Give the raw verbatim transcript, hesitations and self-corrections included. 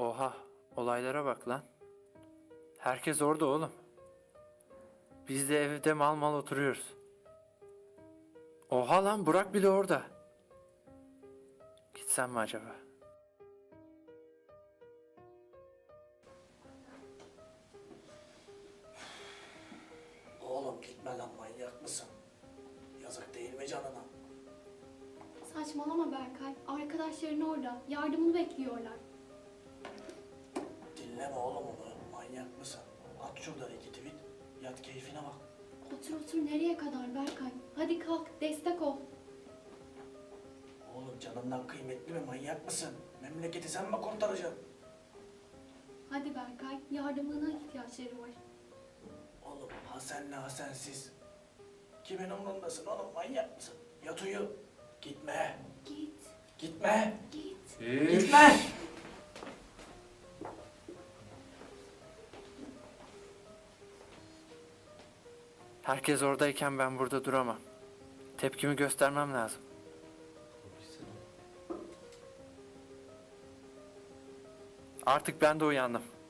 Oha, olaylara bak lan. Herkes orada oğlum. Biz de evde mal mal oturuyoruz. Oha lan, Burak bile orada. Gitsem mi acaba? Oğlum gitme lan, manyak mısın? Yazık değil mi canına? Saçmalama Berkay. Arkadaşların orada. Yardımını bekliyorlar. Dinleme oğlum onu, manyak mısın? At şuradan iki tweet, yat keyfine bak. Otur otur nereye kadar Berkay? Hadi kalk destek ol. Oğlum canından kıymetli mi, manyak mısın? Memleketi sen mi kurtaracaksın? Hadi Berkay yardımına ihtiyaçları var. Oğlum ha senle ha sensiz. Kimin umrundasın oğlum, manyak mısın? Yat uyu. Gitme. Git Gitme. git. Gitme. Herkes oradayken ben burada duramam. Tepkimi göstermem lazım. Artık ben de uyandım.